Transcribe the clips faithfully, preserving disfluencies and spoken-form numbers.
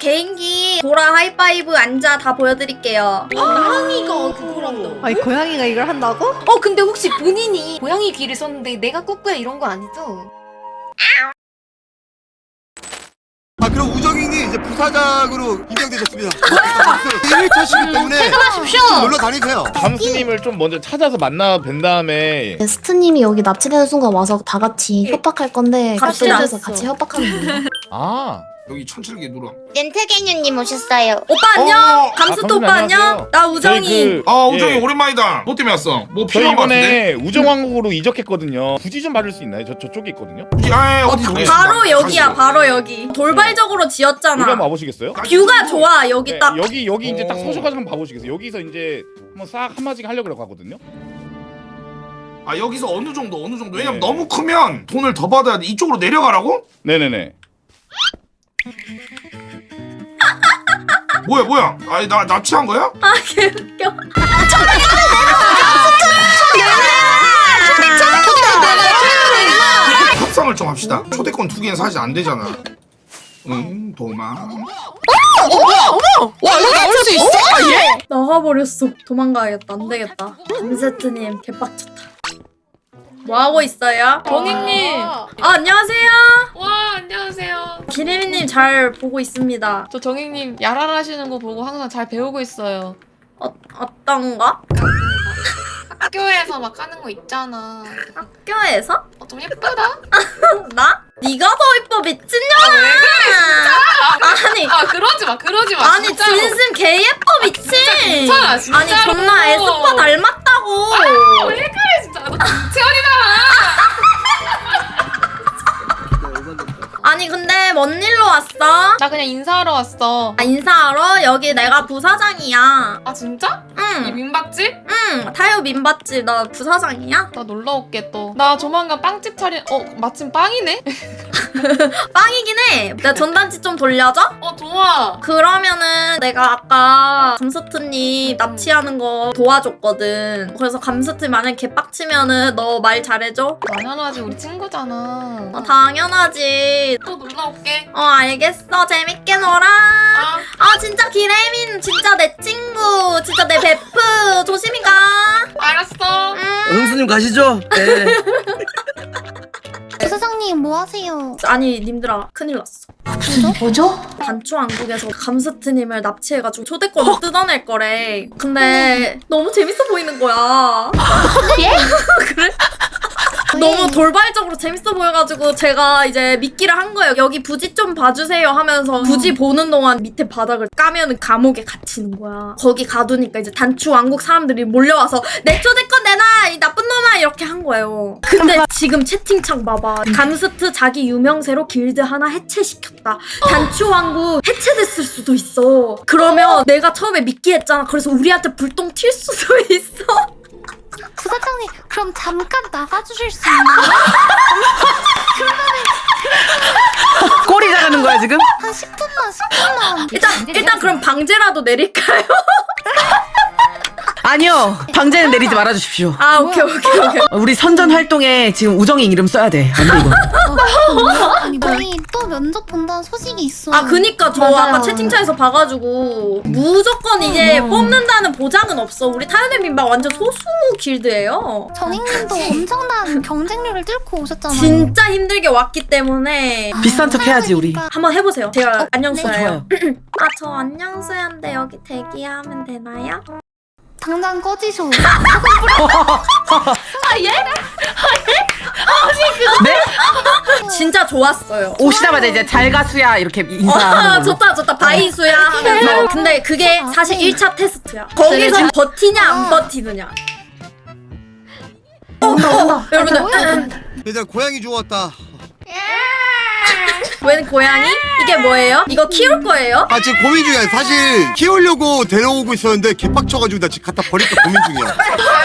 개인기 보라 하이파이브 앉아 다 보여드릴게요. 고양이가 그거란다. 아니 고양이가 이걸 한다고? 어 근데 혹시 본인이 고양이 귀를 썼는데 내가 꾸꾸야 이런 거 아니죠? 아 그럼 우정인이 이제 부사장으로 임명되셨습니다. 일 차시기 때문에 퇴근하십시오. 좀 놀러 다니세요. 감스님을 좀 먼저 찾아서 만나 뵌 다음에 스트님이 여기 납치되는 순간 와서 다 같이 협박할 건데 갑시다. 갑자기서 같이 협박하는 거예요. 아 여기 천칠기 누나. 렌트게뉴님 오셨어요. 오빠 안녕. 어, 감스트 아, 오빠 감스님 안녕. 안녕하세요. 나 우정이. 저희 그, 아 우정이 예. 오랜만이다. 뭐 때문에 왔어? 뭐 저희 필요한 거 같은데? 이번에 우정왕국으로 이적했거든요. 굳이 좀 봐줄 수 있나요? 저 저쪽에 있거든요. 아, 예, 어디 가겠습니다. 바로 여기야. 가시죠. 바로 여기. 돌발적으로 여기 지었잖아. 한번 와보시겠어요? 뷰가 좋아. 여기 네, 딱. 여기 여기 이제 딱 어. 서셔가지고 한번 봐보시겠어요? 여기서 이제 한번 싹 한마디씩 하려고 가거든요. 아 여기서 어느 정도 어느 정도. 왜냐면 네. 너무 크면 돈을 더 받아야 돼. 이쪽으로 내려가라고? 네네네. 뭐야 뭐야? 아니 나 납치한 거야? 아 개웃겨. 협상을 좀 합시다. 초대권 두 개는 사실 안 되잖아. 응 도망. 와 이거 나올 수 있어? 아 예? 나가버렸어. 도망가야겠다. 안 되겠다. 감세트님 개빡쳤다. 뭐 하고 있어요? 버닝님. 아 안녕하세요. 와 안녕하세요. 기리미님 잘 보고 있습니다. 저 정익님 야랄 하시는 거 보고 항상 잘 배우고 있어요. 어 어떤가? 학교에서 막 하는 거 있잖아. 학교에서? 어, 좀 예쁘다? 나? 네가 더 이뻐 미친년아. 아니 아 그러지 마 그러지 마. 아니 진짜로. 진심 개 예뻐 미친. 괜찮아, 진짜로. 아니 존나 에스파 닮았다고. 아, 왜 그래 진짜. 너 김채원이잖아. 아니 근데 뭔 일로 왔어? 나 그냥 인사하러 왔어. 아, 인사하러? 여기 내가 부사장이야. 아 진짜? 이 응, 민박집? 응. 타요 민봤지. 나 부사장이야? 나 놀러 올게 또. 나 조만간 빵집 차린. 어 마침 빵이네? 빵이긴 해. 내 전단지 좀 돌려줘? 어 좋아. 그러면은 내가 아까 감스트님 납치하는 거 도와줬거든. 그래서 감스트 만약 개빡치면은 너 말 잘해줘? 당연하지 우리 친구잖아. 어, 당연하지. 또 놀러 올게. 어 알겠어. 재밌게 놀아. 아. 아 진짜 기레민 진짜 내 친구. 진짜 내 베프. 조심히 가. 알았어. 응. 형수님 가시죠. 네. 부사장님 뭐 하세요? 아니 님들아 큰일 났어. 뭐죠? 단추왕국에서 감스트님을 납치해가지고 초대권을 뜯어낼 거래. 근데 너무 재밌어 보이는 거야. 예? 그래? 너무 돌발적으로 재밌어 보여가지고 제가 이제 미끼를 한 거예요. 여기 부지 좀 봐주세요 하면서 부지 보는 동안 밑에 바닥을 까면은 감옥에 갇히는 거야. 거기 가두니까 이제 단추왕국 사람들이 몰려와서 내 초대권 내놔 이 나쁜 놈아 이렇게 한 거예요. 근데 지금 채팅창 봐봐. 감스트 자기 유명세로 길드 하나 해체시켰다. 단추왕국 해체됐을 수도 있어. 그러면 내가 처음에 미끼 했잖아. 그래서 우리한테 불똥 튈 수도 있어. 부사장님 그럼 잠깐 나가주실 수 있나요? 꼬리 자르는 거야 지금? 한 십 분만 십 분만. 일단 일단 그럼 방제라도 내릴까요? 아니요. 방제는 내리지 말아주십시오. 아 오케이 오케이 오케이. 우리 선전 활동에 지금 우정이 이름 써야 돼. 안 돼 이거. 아니 저희 또 면접 본다는 소식이 있어. 아 그니까 저 맞아요. 아까 채팅창에서 봐가지고 무조건 이제 뽑는다는 보장은 없어. 우리 타요네 민박 완전 소수 길드예요. 정익님도 엄청난 경쟁률을 뚫고 오셨잖아요. 진짜 힘들게 왔기 때문에 비싼 척 해야지 우리. 한번 해보세요. 제가 안녕수예요. 좋아요. 아 저 안녕수야인데 여기 대기하면 되나요? 당장 꺼지쇼. 네? 진짜 좋았어요. 오시자마자 이제 잘 가수야 이렇게 아 인사하는 걸로. 좋다 좋다 바이수야 하면서. 근데 그게 사실 일 차 테스트야. 거기서 버티냐 안 버티느냐. 어, 어, 여러분들 일단 고양이 주웠다. 웬 고양이? 이게 뭐예요? 이거 키울 거예요? 아 지금 고민 중이야. 사실 키우려고 데려오고 있었는데 개빡쳐가지고 나 지금 갖다 버릴까 고민 중이야.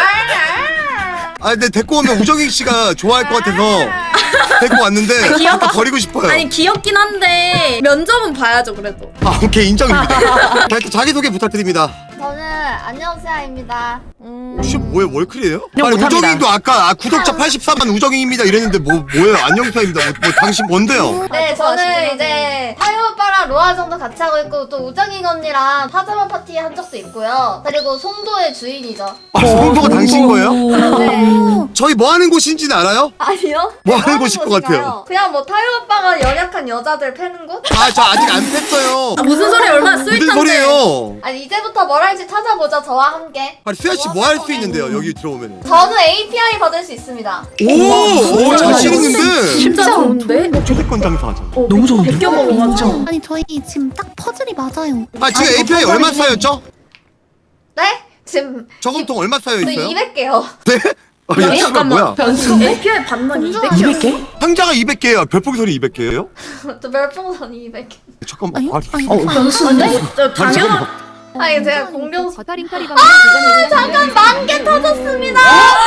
아 근데 데리고 오면 우정익 씨가 좋아할 것 같아서 데리고 왔는데 귀여워? 갖다 버리고 싶어요. 아니 귀엽긴 한데 면접은 봐야죠 그래도. 아 오케이 인정입니다. 자, 일단 자기소개 부탁드립니다. 저는 안녕수야입니다. 음, 혹시 뭐예요? 월클이에요? 그냥 아니 못합니다. 우정이도 아까 아, 구독자 팔십사만 우정이입니다 이랬는데 뭐 뭐예요? 안녕사입니다. 뭐, 뭐 당신 뭔데요? 네, 저는 이제 타요 오빠랑 로아 정도 같이 하고 있고 또 우정인 언니랑 파자마 파티 한 적도 있고요. 그리고 송도의 주인이죠. 아 송도가 당신 거예요? 네. 저희 뭐 하는 곳인지는 알아요? 아니요? 뭐 하는 하는 곳일 것 곳인가요? 같아요? 그냥 뭐 타요 오빠가 연약한 여자들 패는 곳? 아 저 아직 안 뺐어요. 아, 무슨 소리 얼마나 무슨 스윗한데. 소리예요? 아니 이제부터 뭘 할지 찾아보죠, 저와 함께. 아니 수야 씨 뭐 할 수 있는데요? 여기 들어오면. 저는 에이피아이 받을 수 있습니다. 오, 오 자신 있는데. 진짜 좋은데? 초대권 장사하자. 어, 너무 좋은데? 베껴 먹어가지고. 아니 저희 지금 딱 퍼즐이 맞아요. 아 지금 에이피아이 얼마 쌓였죠? 네? 지금 저금통 얼마 쌓여 저 있어요? 이백 개요. 네? 아, 야, 씨발 뭐야? 에이피아이 반만 이백 개. 이백 개? 상자가 이백 개예요. 별풍선이 이백 개예요? 저 멸풍선이 이백 개. 잠깐만. 아니요? 아, 아니, 어, 변수인데? 저 아니, 당연한. 잠깐만. 아니 제가 공룡 아 잠깐 만 개 터졌습니다.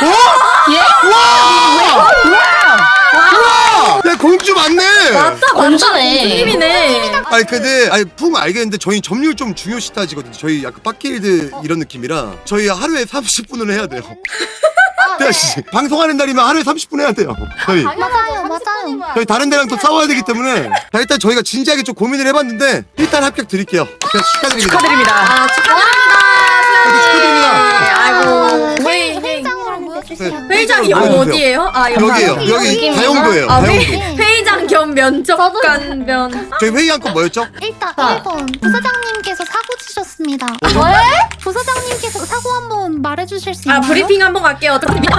와! 야 공주 맞네. 맞다, 맞다. 공주이네. 아니 근데 아니 풍 알겠는데 저희 점유율 좀 중요시 따지거든요. 저희 약간 빡길드 이런 느낌이라 저희 하루에 삼십 분을 해야 돼요. 아, 태아 씨 방송하는 날이면 하루에 삼십 분 해야 돼요. 저희 맞아요, 맞아요. 저희 다른 데랑 또 싸워야 되기 때문에 자, 일단 저희가 진지하게 좀 고민을 해봤는데 일단 합격 드릴게요. 그냥 축하드립니다. 축하드립니다. 아, 축하드립니다. 축하드립니다. 아이고. 회의, 회의. 회의장으로 보여주세요. 회의장이 여기 보여주세요. 어디예요? 아, 여기. 여기에요. 여기 다용도예요. 아, 다용도. 회, 회의장 겸 면접관 면. 저희 회의한 건 뭐였죠? 일단 일 번 부사장님께서 사고 치셨습니다. 왜? 부사장님께서 사고 한번 말해주실 수 아, 있나요? 브리핑 한번 갈게요.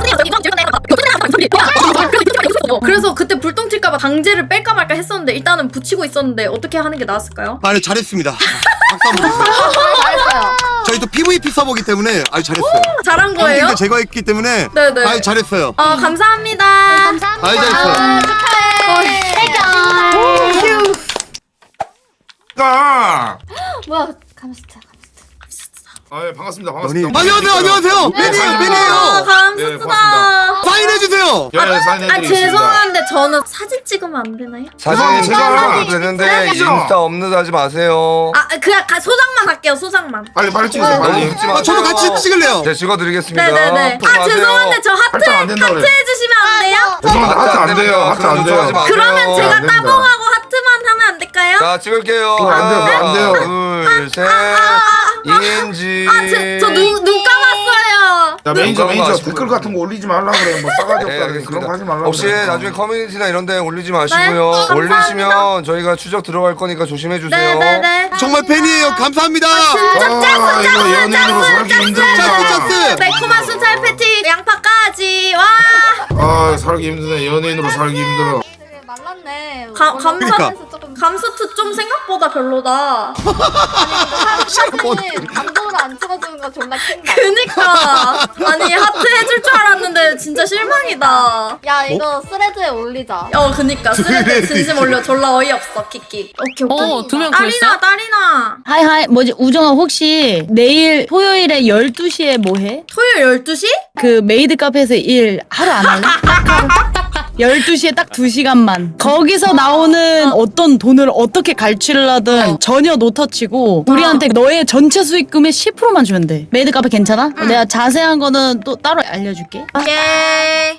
그래서 그때 불똥 튈까봐 강제를 뺄까 말까 했었는데 일단은 붙이고 있었는데 어떻게 하는 게 나았을까요? 아, 네, 잘했습니다. 박수 한번 주세요. 잘했어요. 저희 또 피브이피 서버기 때문에 아주 잘했어요. 잘한 거예요? 데 제거했기 때문에 네네. 아주 잘했어요. 어, 감사합니다. 감사합니다. 아주 잘했어요. 아, 축하해. 해결. 아, 뭐야? 감시자. 아, 예, 반갑습니다. 연예인. 반갑습니다. 안녕하세요, 안녕하세요. 팬이에요, 아, 팬이에요. 예, 감사합니다. 고맙습니다. 사인해주세요. 예, 아, 사인해드리겠습니다. 죄송한데 저는 사진 찍으면 안 되나요? 사진 제가 찍어도 되는데 찍어야죠. 인스타 업로드 하지 마세요. 아, 그냥 가- 소장만 할게요, 소장만. 빨리 빨리 찍으세요. 너무 빨리. 웃지 마세요. 아, 저도 같이 찍을래요. 네, 찍어드리겠습니다. 네네네. 또 아, 가세요. 죄송한데 저 하트, 하트 안 된다 하트 그래. 해주시면 안 돼요? 죄송한데 하트 안 돼요. 하트 안 돼요. 하지 마세요. 그러면 제가 안 됩니다. 따봉하고 하트만 하면 안 될까요? 자, 찍을게요. 그거 안 돼요, 그거 안 돼요. 둘, 셋. 인지. 아, 제, 저 눈, 눈 감았어요. 야 매니저 그런 거 매니저 하시고요. 댓글 같은 거 올리지 말라 그래. 뭐 싸가지 네, 없다 그래. 그런 거 하지 말라. 혹시 그래. 나중에 커뮤니티나 이런 데 올리지 네, 마시고요. 감사합니다. 올리시면 저희가 추적 들어갈 거니까 조심해 주세요. 네네네. 정말 팬이에요. 감사합니다. 아, 이거 연예인으로 살기 짝스, 힘들다. 짝스. 매콤한 순살 패티, 양파까지. 와. 아, 살기 힘드네. 연예인으로 살기 힘들어. 되게 말랐네. 가- 원래 감사- 감사해서 조금 감스트 좀 생각보다 별로다. 사진은 감동으로 안 찍어주는 거 존나 킹다. 그니까. 아니, 하트 해줄 줄 알았는데 진짜 실망이다. 야 이거 스레드에 올리자. 어, 그니까. 스레드 진심 올려. 졸라 어이없어, 키키. 오케이, 오케이. 어, 두 명 딸이나, 딸이나. 하이하이, 뭐지, 우정아, 혹시 내일 토요일에 열두 시에 뭐 해? 토요일 열두 시? 그 메이드 카페에서 일 하루 안 할래? 열두 시에 딱 두 시간만. 거기서 나오는 어떤 돈을 어떻게 갈취를 하든 전혀 노터치고 우리한테 너의 전체 수익금의 십 퍼센트만 주면 돼. 메이드 카페 괜찮아? 내가 자세한 거는 또 따로 알려줄게. 오케이.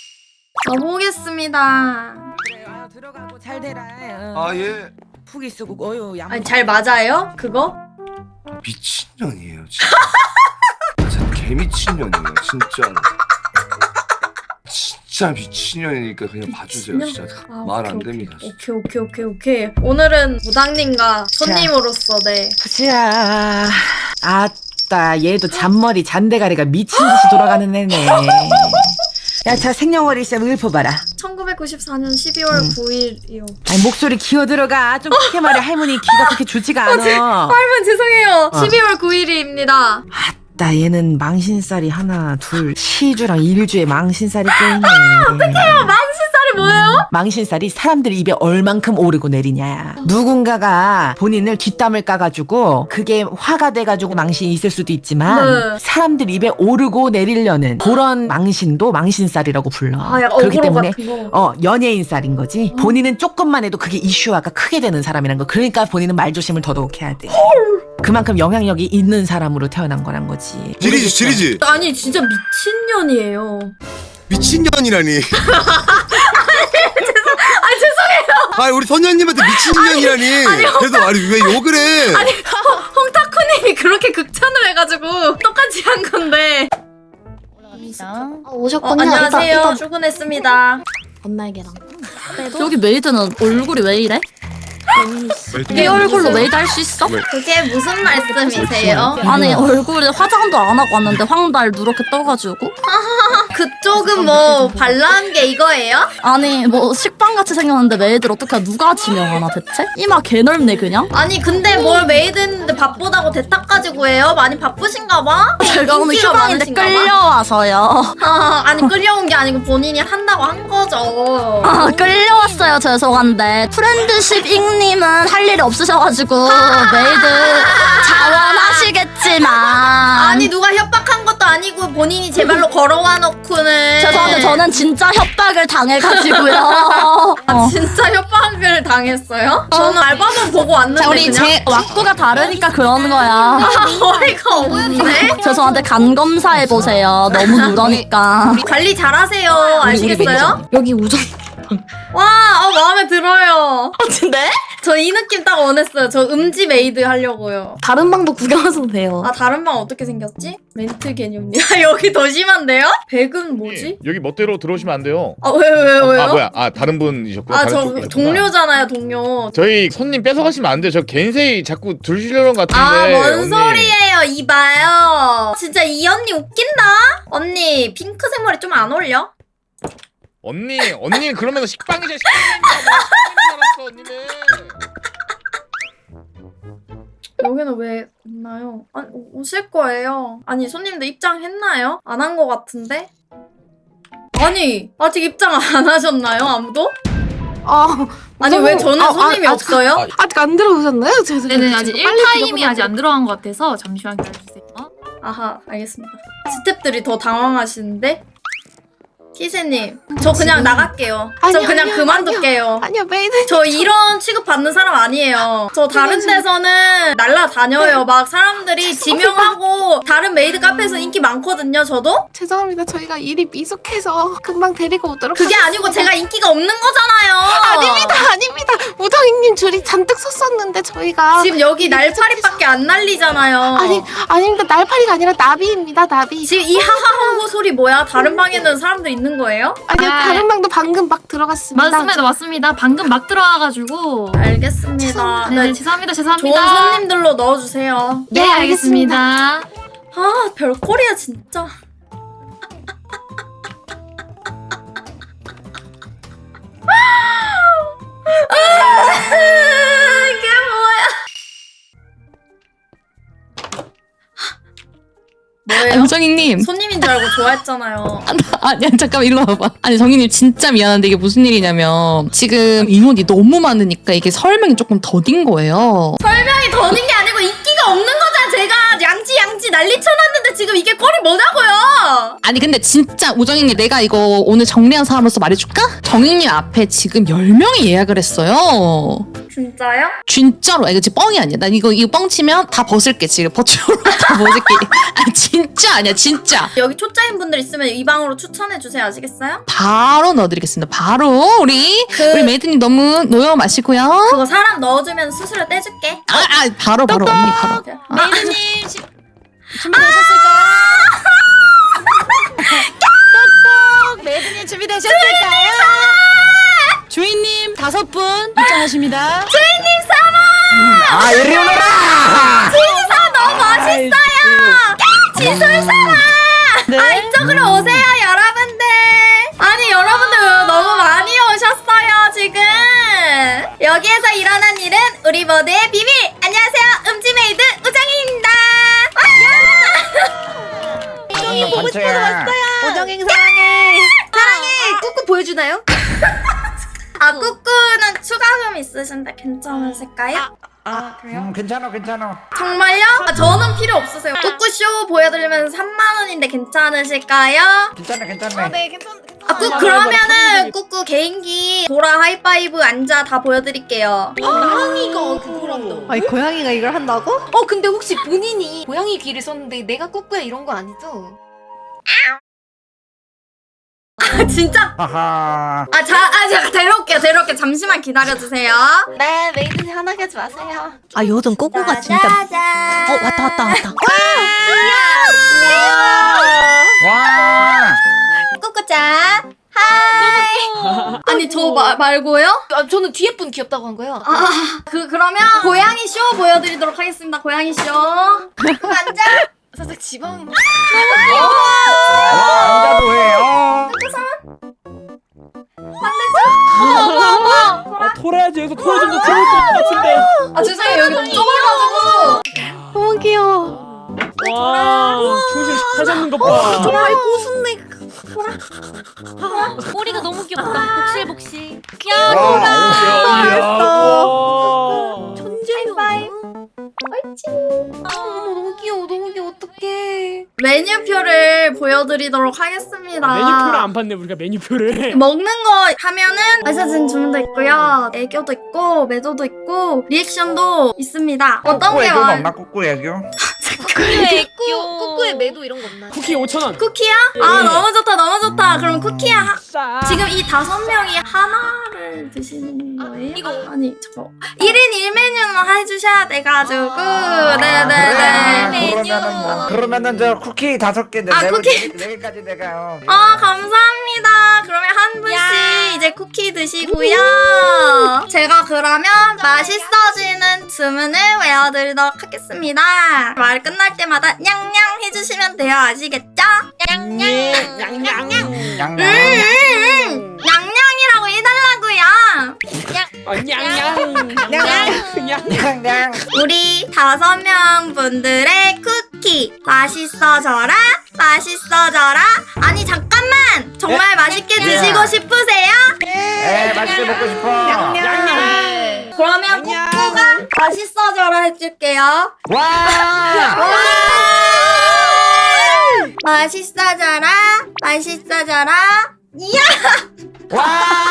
가보겠습니다. 그래, 아, 들어가고 잘 되라. 어. 아, 예. 푹 있고 어유 양. 아니, 잘 맞아요? 그거? 미친년이에요, 진짜. 진짜 개미친년이에요, 진짜로. 진짜 미친년이니까 그냥 봐주세요, 진짜. 아, 말 오케이, 안 오케이. 됩니다, 진짜. 오케이, 오케이, 오케이, 오케이. 오늘은 무당님과 손님으로서, 네. 자, 아따, 얘도 잔머리 잔대가리가 미친 듯이 돌아가는 애네. 야, 자, 생년월일 있으면 읊어봐라. 천구백구십사 년 십이월 구일이요. 아니, 목소리 기어 들어가. 좀 크게 말해. 할머니 귀가 그렇게 좋지가 않아. 할머니 죄송해요. 어. 십이월 구일입니다. 아따, 얘는 망신살이 하나, 둘, 시주랑 일주에 망신살이 껴있네. 어떡해요. 망신살이 뭐예요? 망신살이 사람들 입에 얼만큼 오르고 내리냐. 누군가가 본인을 뒷담을 까가지고 그게 화가 돼가지고 망신이 있을 수도 있지만 네. 사람들 입에 오르고 내리려는 그런 망신도 망신살이라고 불러. 아, 약간 그렇기 어그로 때문에 같은 거. 어 연예인살인 거지. 본인은 조금만 해도 그게 이슈화가 크게 되는 사람이란 거. 그러니까 본인은 말조심을 더더욱 해야 돼. 그만큼 영향력이 있는 사람으로 태어난 거란 거지. 지리지 지리지. 아니 진짜 미친년이에요. 미친년이라니. 아 죄송해요. 아 우리 선녀님한테 미친년이라니. 그래서 아니 왜 욕을 해? 아니 홍타쿠님이 그렇게 극찬을 해가지고 똑같이 한 건데. 아, 어, 오셨군요. 안녕하세요. 이따, 이따. 출근했습니다. 건날개랑. 여기 메이드는 얼굴이 왜 이래? 이 얼굴로 메이드 할 수 있어? 그게 무슨 말씀이세요? 아니 얼굴에 화장도 안 하고 왔는데 황달 누렇게 떠가지고 그쪽은 뭐 발라한 게 이거예요? 아니 뭐 식빵같이 생겼는데 메이드를 어떻게 누가 지명하나 대체? 이마 개 넓네 그냥. 아니 근데 뭘 메이드 했는데 바쁘다고 대타까지 구해요? 많이 바쁘신가 봐? 제가 오늘 인기가 휴방인데 많으신가 봐? 끌려와서요. 아, 아니 끌려온 게 아니고 본인이 한다고 한 거죠. 아 끌려왔어요. 죄송한데 프렌드십 잉님은 할 일이 없으셔가지고 메이드 자원하시겠지만 아니 누가 협박한 것도 아니고 본인이 제 발로 걸어와 놓고는. 죄송한데 저는 진짜 협박을 당해가지고요. 아, 진짜 협박을 당했어요? 저는 알바만 보고 왔는데 자 우리 그냥. 제 왁구가 다르니까 그러는 거야. 아, 어이가 없네. 죄송한데 간 검사해 보세요. 너무 누러니까. 관리 잘하세요. 아시겠어요? 여기 우정. 와, 어, 마음에 들어요. 근데? 저 이 느낌 딱 원했어요. 저 음지 메이드 하려고요. 다른 방도 구경하셔도 돼요. 아, 다른 방 어떻게 생겼지? 멘트 개념이. 아, 여기 더 심한데요? 백은 뭐지? 여기 멋대로 들어오시면 안 돼요. 아, 왜, 왜, 왜요? 아 뭐야? 아 다른 분이셨구나. 아, 다른 저 쪽이셨구나. 동료잖아요, 동료. 저희 손님 뺏어가시면 안 돼요. 저 겐세이 자꾸 들으시려는 것 같은데. 아, 뭔 언니. 소리예요, 이봐요. 진짜 이 언니 웃긴다? 언니, 핑크색 머리 좀 안 어울려? 언니, 언니는 그러면서 식빵이자 식빵이니까 뭐 식빵인 줄 알았어, 언니는. 여기는 왜 없나요? 아니, 오- 오실 거예요. 아니, 손님들 입장했나요? 안 한 거 같은데? 아니, 아직 입장 안 하셨나요, 아무도? 아, 아니, 왜 저는 아, 아, 손님이 아, 없어요? 아직 안 들어오셨나요? 죄송해요. 네네 아직 지금 빨리 일 타임이 들어가고 아직 안 들어간 것 같아서 잠시만 기다려주세요. 아하, 알겠습니다. 스태프들이 더 당황하시는데? 키세님, 저 그냥 나갈게요. 저 아니요, 그냥 아니요, 그만둘게요. 아니요, 메이드. 저 이런 취급 받는 사람 아니에요. 저 다른 데서는 날라다녀요. 막 사람들이 지명하고 다른 메이드 카페에서 인기 많거든요. 저도? 죄송합니다. 저희가 일이 미숙해서 금방 데리고 오도록 그게 하겠습니다. 아니고 제가 인기가 없는 거잖아요. 아닙니다, 아닙니다. 우정이님 줄이 잔뜩 섰었는데 저희가 지금 여기 날파리밖에 안 날리잖아요. 아니, 아닙니다. 날파리가 아니라 나비입니다, 나비. 지금 이 하하호호 소리 뭐야? 다른 방에는 사람들 있는 거예요? 아니요, 아, 다른 방도 방금 막 들어갔습니다. 맞습니다 맞습니다. 방금 막 들어와가지고. 알겠습니다. 네, 네, 죄송합니다 좋은 죄송합니다. 손님들로 넣어주세요. 네 알겠습니다. 아, 별꼴이야 진짜. 이게 뭐야? 뭐예요? 우정이님. 손님인 줄 알고 좋아했잖아요. 아니 잠깐 일로 와봐. 아니 정희님 진짜 미안한데 이게 무슨 일이냐면 지금 인원이 너무 많으니까 이게 설명이 조금 더딘 거예요. 설명이 더는 게 아니고 인기가 없는 거잖아. 제가 양지 양지 난리 쳐놨는데 지금 이게 꼴이 뭐냐고요? 아니 근데 진짜 우정이님 내가 이거 오늘 정리한 사람으로서 말해줄까? 정희님 앞에 지금 열 명이 예약을 했어요. 진짜요? 진짜로. 아, 이거 지금 뻥이 아니야. 난 이거 이거 뻥 치면 다 벗을게 지금. 버추로 다 벗을게. 아니 진짜 아니야 진짜. 여기 초짜인 분들 있으면 이 방으로 추천해 주세요. 아시겠어요? 바로 넣어드리겠습니다. 바로 우리 그- 우리 메이드님 너무 노여 마시고요. 그거 사람 넣어주면 수수료 떼줄게. 아, 아 바로 바로 언니 바로. 메이드님 시- 준비되셨을까요? 똑똑 메이드님 준비되셨을까요? 주인님 다섯 분 입장하십니다. 아 이리 오너라. 진사 너무 멋있어요. 지술사라. 네. 아, 이쪽으로 오세요, 여러분들. 아니, 여러분들 너무 많이 오셨어요, 지금. 여기에서 일어난 일은 우리 모두의 비밀. 안녕하세요, 음지메이드 우정희입니다. 우정이 보고 싶어서 왔어요. 우정이 사랑해. 사랑해. 꾹꾹 보여주나요? 아 꾸꾸는 추가금 있으신데 괜찮으실까요? 아 그래요? 음, 괜찮아, 괜찮아. 정말요? 아, 저는 필요 없으세요. 꾸꾸쇼 보여드리면 삼만 원인데 괜찮으실까요? 괜찮아, 괜찮아. 네 괜찮 괜찮. 아, 꾸, 그러면은 꾸꾸 개인기 보라 하이파이브 앉아 다 보여드릴게요. 고양이가 그걸 한다고? 아니 고양이가 이걸 한다고? 어 근데 혹시 본인이 고양이 귀를 썼는데 내가 꾸꾸야 이런 거 아니죠? 아 진짜? 하하. 아, 자, 아 제가 데려올게요. 데려올게요. 잠시만 기다려주세요. 네 메이드님 화나게 하지 마세요. 아 요즘 꼬꼬가 진짜 짜잔. 어 왔다 왔다 왔다 와. 꾸꾸짱. 하이. 아니 저 마, 말고요? 아 저는 뒤에 분 귀엽다고 한 거예요. 아, 그 그러면 고양이 쇼 보여드리도록 하겠습니다. 고양이 쇼. 앉아. 살짝 지방. 와, 앉아도 해. 어. 아 털어야지. 여기서 털어 좀더 들어올 것 같은데. 아 죄송해요. 여기 너무 좁아가지고. 너무 귀여워 와 충실 잘 잡는 것 봐. 정말 꼬순내 꼬리가 너무 귀엽다. 복실복실. 야 와. 천재바이 어머 너무 귀여워 너무 귀여워 어떡해. 메뉴표를 보여드리도록 하겠습니다. 메뉴표를 안 봤네 우리가 메뉴표를. 먹는 거 하면은 맛있어진 주문도 있고요. 애교도 있고 매도도 있고 리액션도 있습니다. 어떤 게 애교 많... 없나? 꾸꾸 애교? 꾸꾸의 꾸꾸의 매도 이런 거 없나요? 쿠키 오천 원. 쿠키야? 아 너무 좋다 너무 좋다. 그럼 쿠키야 하... 지금 이 다섯 명이 하나를 드시는 거예요? 이거. 아니 잠깐 일 인 일 메뉴만 해주셔야 돼가지고 그래, 네네네. 그러면은 뭐. 그러면은 저 쿠키 다섯 개. 아, 네, 쿠키. 네 개까지 내가. 어. 아 감사합니다. 그러면 한 분씩 이제 쿠키 드시고요. 제가 그러면 맛있어지는 주문을 외워드리도록 하겠습니다. 말 끝날 때마다 냥냥 해주시면 돼요. 아시겠죠? 냥냥. 양양. 음, 냥냥이라고 해달라고요. 아 냥냥. 냥냥. 양양. 우리 다섯 명 분들의 쿠키 맛있어져라 맛있어져라. 아니 잠깐만 정말 맛있게 드시고 싶으세요? 에, 맛있게 먹고 싶어. 냥냥. 그러면 꾸꾸가 맛있어져라 해줄게요. 와. 맛있어져라 맛있어져라. 이야. 와.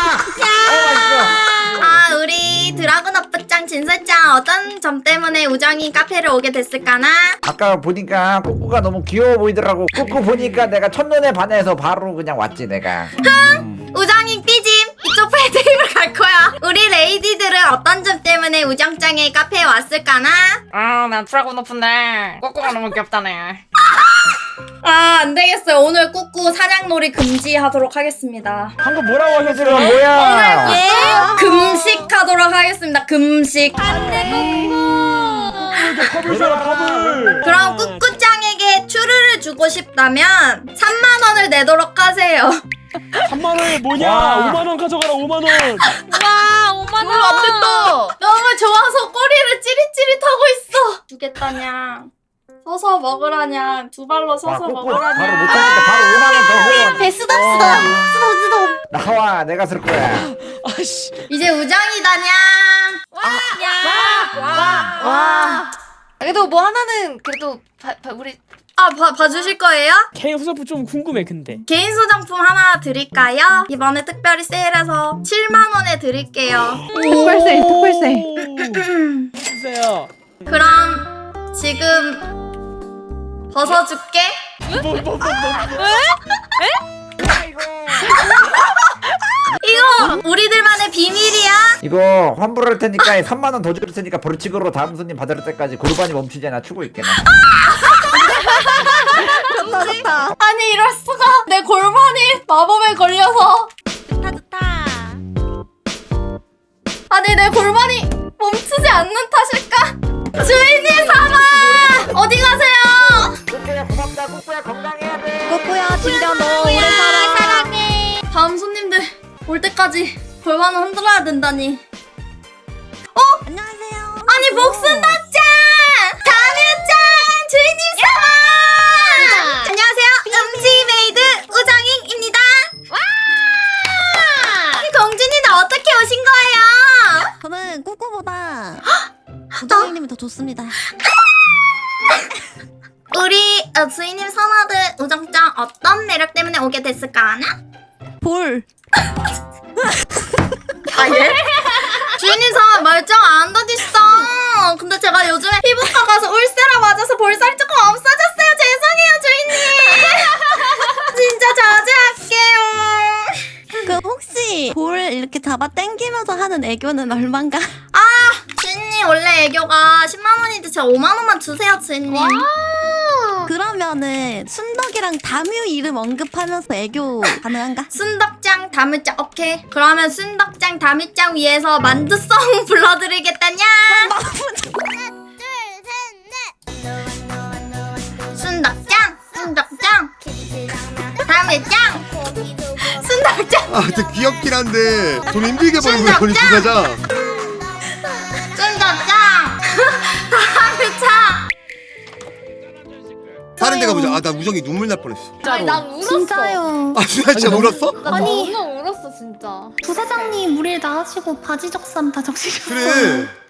어, 아 우리 드라군 오빠짱 진설짱 어떤 점 때문에 우정이 카페를 오게 됐을까나? 아까 보니까 꾸꾸가 너무 귀여워 보이더라고. 꾸꾸 보니까 내가 첫눈에 반해서 바로 그냥 왔지 내가. 음. 우정이 삐짐 이쪽 패드립을 갈 거야. 우리 레이디들은 어떤 점 때문에 우정짱의 카페에 왔을까나? 아난 드라곤 오픈데 꾸꾸가 너무 귀엽다네. 아 안되겠어요. 오늘 꾸꾸 사냥놀이 금지하도록 하겠습니다. 방금 뭐라고 하셨어요? 뭐야? 예? 금식하도록 하겠습니다. 금식. 컵을 줘라 컵을. 그럼 꾸꾸짱에게 추르를 주고 싶다면 삼만 원을 내도록 하세요. 삼만 원이 뭐냐? 와. 오만 원 가져가라 오만 원. 와 오만 원. 안 됐다. 너무 좋아서 꼬리를 찌릿찌릿하고 있어. 주겠다냐. 서서 먹으라냐. 두 발로 와, 서서 꾸꾸 먹으라냐. 바로 못하니까 바로 오만 원 더 후원. 배 쓰담 쓰담 쓰담 쓰담 나와, 내가 쓸 거야. 아씨. 이제 우정이다냐. 와 그래도 뭐 하나는 그래도 바, 바, 우리 아 봐, 봐주실 거예요? 개인 후사품 좀 궁금해 근데. 개인 소장품 하나 드릴까요? 이번에 특별히 세일해서 칠만 원에 드릴게요. 특별 세일 특별 세일 주세요. 그럼 지금 벗어줄게. 뭐 뭐 뭐 뭐. 이거 우리들만의 비밀이야. 이거 환불할 테니까 삼만 원 더 줄 테니까 벌칙으로 다음 손님 받을 때까지 골반이 멈추지 않아 추고 있게. 좋다 좋다 아니 이럴 수가. 내 골반이 마법에 걸려서. 좋다 좋다. 아니 내 골반이 멈추지 않는 탓일까? 주인님 사마 어디 가세요? 꾸꾸야 고맙다. 꾸꾸야 건강해야 돼. 꼬꼬야 진짜 너 오래 살아 사랑해. 다음 손님들 올 때까지 골반을 흔들어야 된다니. 어? 안녕하세요 아니 복순덕짱! 다미짱! 주인님 사마! 안녕하세요. 음식 메이드 우정잉입니다. 와! 공주님들 어떻게 오신 좋습니다. 우리 어, 주인님 선아들 우정짱 어떤 매력 때문에 오게 됐을까나? 볼. 아 예? 주인님 선아 말짱 안 던지시다. 근데 제가 요즘에 피부과 가서 울세라 맞아서 볼살이 조금 없어졌어요. 죄송해요 주인님. 진짜 자제할게요. 그 혹시 볼 이렇게 잡아 당기면서 하는 애교는 얼만가? 아 주인님 원래 애교가 십만 원인데 제가 오만 원만 주세요 주인님. 그러면은 순덕이랑 다뮤 이름 언급하면서 애교 가능한가? 순덕짱 다뮤짱 오케이. 그러면 순덕짱 다뮤짱 위해서 만두송 불러드리겠다냐. 순덕짱 순덕짱 다뮤짱 순덕짱. 아 근데 귀엽긴 한데 돈 힘들게 버는 거야 돈이 부자자. 순덕짱 다뮤짱. 다른 데 가보자. 아 나 우정이 눈물 날 뻔했어. 아니 난 울었어. 진짜요. 아 진짜 진짜 울었어? 나 너무 울었어 진짜. 부사장님 우리 다 하시고 바지 적삼 다 적시셨어요. 그래.